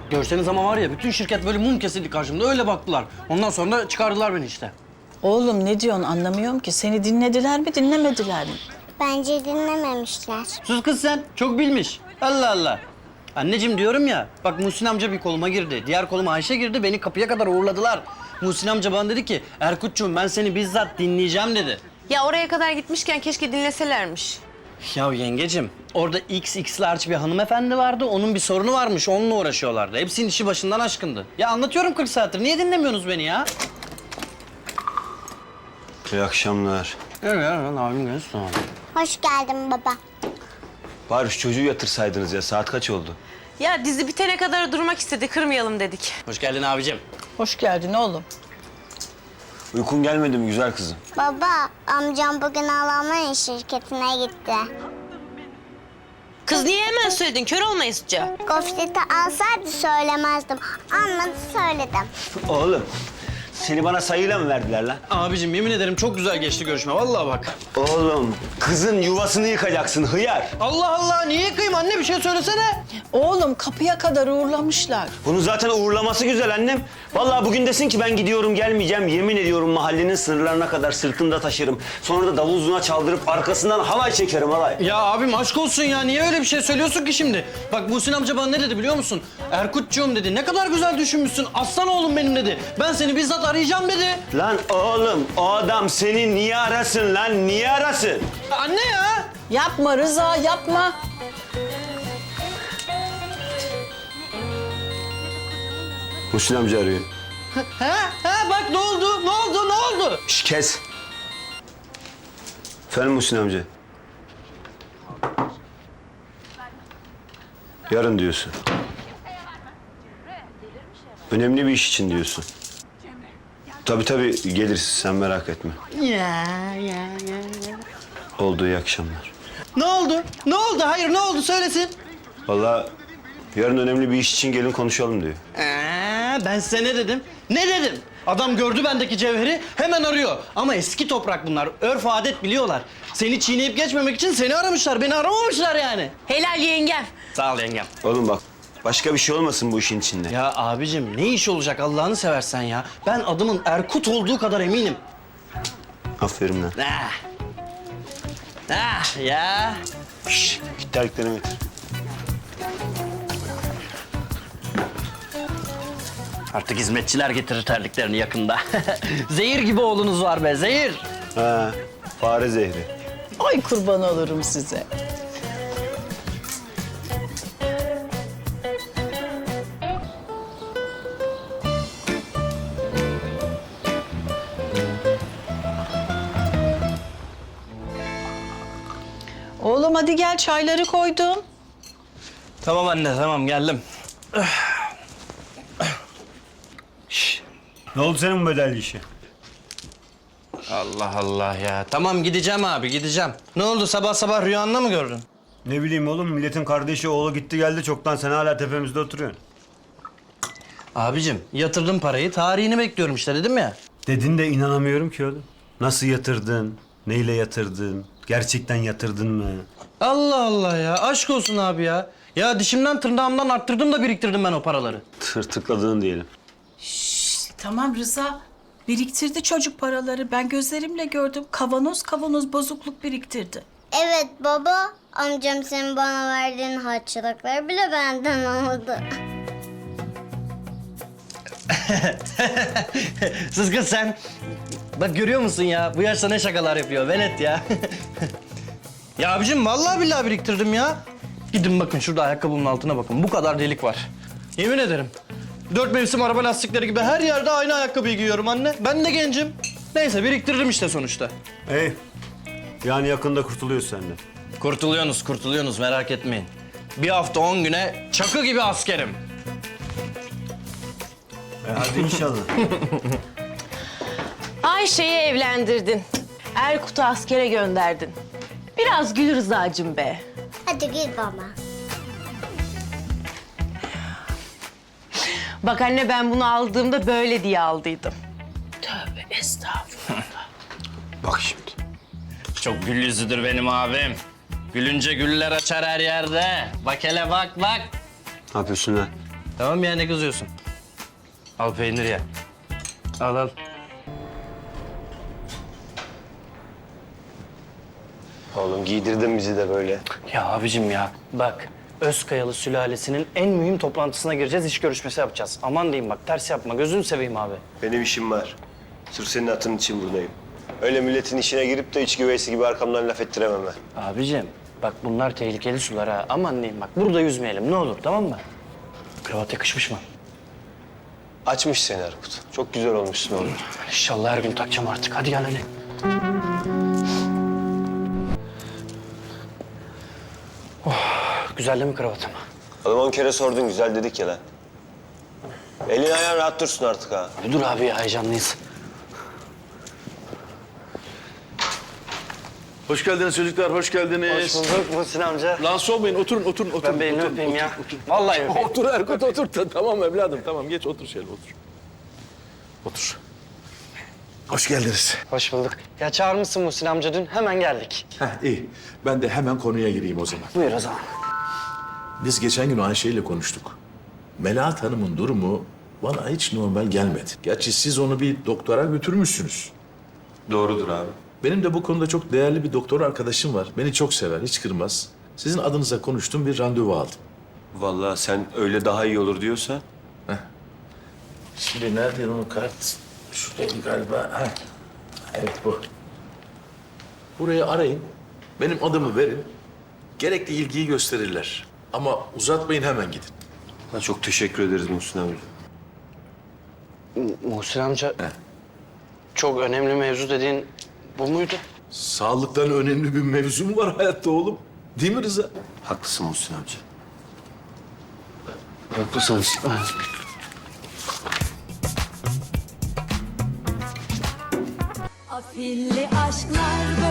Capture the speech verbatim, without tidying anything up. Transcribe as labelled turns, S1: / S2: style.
S1: Görseniz ama var ya bütün şirket böyle mum kesildi karşımda öyle baktılar. Ondan sonra da çıkardılar beni işte.
S2: Oğlum ne diyorsun anlamıyorum ki. Seni dinlediler mi dinlemediler mi?
S3: Bence dinlememişler.
S1: Sus kız sen çok bilmiş. Allah Allah. Anneciğim diyorum ya bak Muhsin amca bir koluma girdi. Diğer koluma Ayşe girdi beni kapıya kadar uğurladılar. Muhsin amca bana dedi ki Erkut'cuğum ben seni bizzat dinleyeceğim dedi.
S4: Ya oraya kadar gitmişken keşke dinleselermiş.
S1: Ya yengecim orada X X large bir hanımefendi vardı. Onun bir sorunu varmış onunla uğraşıyorlardı. Hepsinin işi başından aşkındı. Ya anlatıyorum kırk saattir niye dinlemiyorsunuz beni ya?
S5: İyi akşamlar.
S1: Evet ya lan abim gelsin.
S3: Hoş geldin baba.
S5: Bari şu çocuğu yatırsaydınız ya. Saat kaç oldu?
S4: Ya dizi bitene kadar durmak istedi, kırmayalım dedik.
S1: Hoş geldin abicim.
S2: Hoş geldin oğlum.
S5: Uykun gelmedi mi güzel kızım?
S3: Baba, amcam bugün Alman şirketine gitti.
S4: Kız niye hemen söyledin? Kör olmayısıca.
S3: Gofreti alsaydı söylemezdim. Almadı söyledim.
S5: Oğlum, seni bana sayıyla mı verdiler lan?
S1: Abicim yemin ederim çok güzel geçti görüşme vallahi bak.
S5: Oğlum, kızın yuvasını yıkacaksın hıyar.
S1: Allah Allah niye yıkayım anne bir şey söylesene.
S2: Oğlum kapıya kadar uğurlamışlar.
S5: Bunun zaten uğurlaması güzel annem. Vallahi bugün desin ki ben gidiyorum gelmeyeceğim. Yemin ediyorum mahallenin sınırlarına kadar sırtımda taşırım. Sonra da davul zurna çaldırıp arkasından halay çekerim halay.
S1: Ya abim aşk olsun ya niye öyle bir şey söylüyorsun ki şimdi? Bak Muhsin amca bana ne dedi biliyor musun? Erkut'cuğum dedi ne kadar güzel düşünmüşsün aslan oğlum benim dedi. Ben seni bizzat arayacağım dedi.
S5: Lan oğlum o adam seni niye arasın lan niye arasın?
S1: Anne ya.
S2: Yapma Rıza yapma.
S5: Muhsin amca arıyor.
S1: Ha ha bak ne oldu ne oldu ne oldu?
S5: Şş kes. Efendim Muhsin amca. Yarın diyorsun. Önemli bir iş için diyorsun. Tabii tabii geliriz sen merak etme.
S1: Ya ya ya ya.
S5: Oldu iyi akşamlar.
S1: Ne oldu? Ne oldu? Hayır ne oldu söylesin.
S5: Vallahi yarın önemli bir iş için gelin konuşalım diyor.
S1: Ee, ben size ne dedim? Ne dedim? Adam gördü bendeki cevheri hemen arıyor. Ama eski toprak bunlar. Örf adet biliyorlar. Seni çiğneyip geçmemek için seni aramışlar. Beni aramamışlar yani.
S4: Helal yengem.
S1: Sağ ol yengem.
S5: Oğlum bak başka bir şey olmasın bu işin içinde.
S1: Ya abicim ne iş olacak Allah'ını seversen ya. Ben adımın Erkut olduğu kadar eminim.
S5: Aferin lan.
S1: Ah. Ah ya.
S5: Şşş git terliklerimi getir.
S1: Artık hizmetçiler getirir terliklerini yakında. Zehir gibi oğlunuz var be, zehir.
S5: Ha, fare zehri.
S2: Ay kurban olurum size. Oğlum hadi gel çayları koydum.
S1: Tamam anne, tamam geldim.
S5: Ne oldu senin bu bedelli işi?
S1: Allah Allah ya. Tamam gideceğim abi, gideceğim. Ne oldu sabah sabah rüyanda mı gördün?
S5: Ne bileyim oğlum milletin kardeşi oğlu gitti geldi çoktan sen hala tepemizde oturuyorsun.
S1: Abicim yatırdım parayı, tarihini bekliyorum işte dedim ya.
S5: Dedin de inanamıyorum ki oğlum. Nasıl yatırdın? Neyle yatırdın? Gerçekten yatırdın mı?
S1: Allah Allah ya, aşk olsun abi ya. Ya dişimden tırnağımdan arttırdım da biriktirdim ben o paraları.
S5: Tırtıkladığın diyelim.
S2: Tamam Rıza. Biriktirdi çocuk paraları. Ben gözlerimle gördüm. Kavanoz kavanoz bozukluk biriktirdi.
S3: Evet baba, amcam senin bana verdiğin harçlıkları bile benden aldı.
S1: Siz kız sen. Bak görüyor musun ya? Bu yaşta ne şakalar yapıyor. Velet ya. Ya abicim vallahi billahi biriktirdim ya. Gidin bakın şurada ayakkabımın altına bakın. Bu kadar delik var. Yemin ederim. Dört mevsim araba lastikleri gibi her yerde aynı ayakkabıyı giyiyorum anne. Ben de gencim. Neyse biriktirdim işte sonuçta.
S5: Hey. Yani yakında kurtuluyorsun senden.
S1: Kurtuluyorsunuz, kurtuluyorsunuz merak etmeyin. Bir hafta on güne çakı gibi askerim.
S5: E hadi inşallah.
S4: Ayşe'yi evlendirdin. Erkut'u askere gönderdin. Biraz gül Rıza'cığım be.
S3: Hadi gül baba.
S4: Bak anne ben bunu aldığımda böyle diye aldıydım. Tövbe estağfurullah.
S5: Bak şimdi.
S1: Çok gül yüzüdür benim abim. Gülünce güller açar her yerde. Bak hele bak bak.
S5: Ne yapıyorsun lan?
S1: Tamam ya, ne kızıyorsun? Al peynir ye. Al al.
S5: Oğlum giydirdin bizi de böyle.
S1: Ya abicim ya bak, Özkayalı sülalesinin en mühim toplantısına gireceğiz, iş görüşmesi yapacağız. Aman diyeyim bak, ters yapma, gözünü seveyim abi.
S5: Benim işim var. Sırf senin hatırın için buradayım. Öyle milletin işine girip de iç güveysi gibi arkamdan laf ettiremem ben.
S1: Abicim bak, bunlar tehlikeli sular ha. Aman diyeyim bak, burada yüzmeyelim ne olur, tamam mı? Kravat yakışmış mı?
S5: Açmış seni Erkut. Çok güzel olmuşsun oğlum.
S1: İnşallah her gün takacağım artık. Hadi gel hadi. Oh, güzel değil mi kravatım?
S5: Oğlum on kere sordun güzel dedik ya lan. Elin ayağın rahat dursun artık ha.
S1: Bir dur abi ya, heyecanlıyız.
S6: Hoş geldiniz çocuklar, hoş geldiniz.
S1: Hoş bulduk Muhsin amca.
S6: Rahatsız olmayın, oturun, oturun, oturun.
S1: Ben bir elini
S6: oturun,
S1: öpeyim
S6: otur,
S1: ya.
S6: Otur,
S1: Vallahi öpeyim.
S6: Otur Erkut, otur. Ta- Tamam evladım, tamam. Geç, otur şöyle, otur. Otur. Hoş geldiniz.
S1: Hoş bulduk. Ya çağırmışsın Muhsin amca dün, hemen geldik.
S6: Heh, iyi. Ben de hemen konuya gireyim o zaman.
S1: Buyur o zaman.
S6: Biz geçen gün Ayşe ile konuştuk. Melahat Hanım'ın durumu bana hiç normal gelmedi. Gerçi siz onu bir doktora götürmüşsünüz.
S5: Doğrudur abi.
S6: Benim de bu konuda çok değerli bir doktor arkadaşım var. Beni çok sever, hiç kırmaz. Sizin adınıza konuştum, bir randevu aldım.
S5: Vallahi sen öyle daha iyi olur diyorsa.
S6: Şimdi nerede onun kart? Şuradaydı galiba. Ha. Evet bu. Burayı arayın. Benim adımı verin. Gerekli ilgiyi gösterirler. Ama uzatmayın, hemen gidin.
S5: Ha, çok teşekkür ederiz Muhsin abi.
S1: Muhsin amca, çok önemli mevzu dediğin bu muydu?
S6: Sağlıktan önemli bir mevzu mu var hayatta oğlum? Değil mi Rıza?
S5: Haklısın Muhsin amca.
S1: Haklısınız.
S7: Afilli aşklar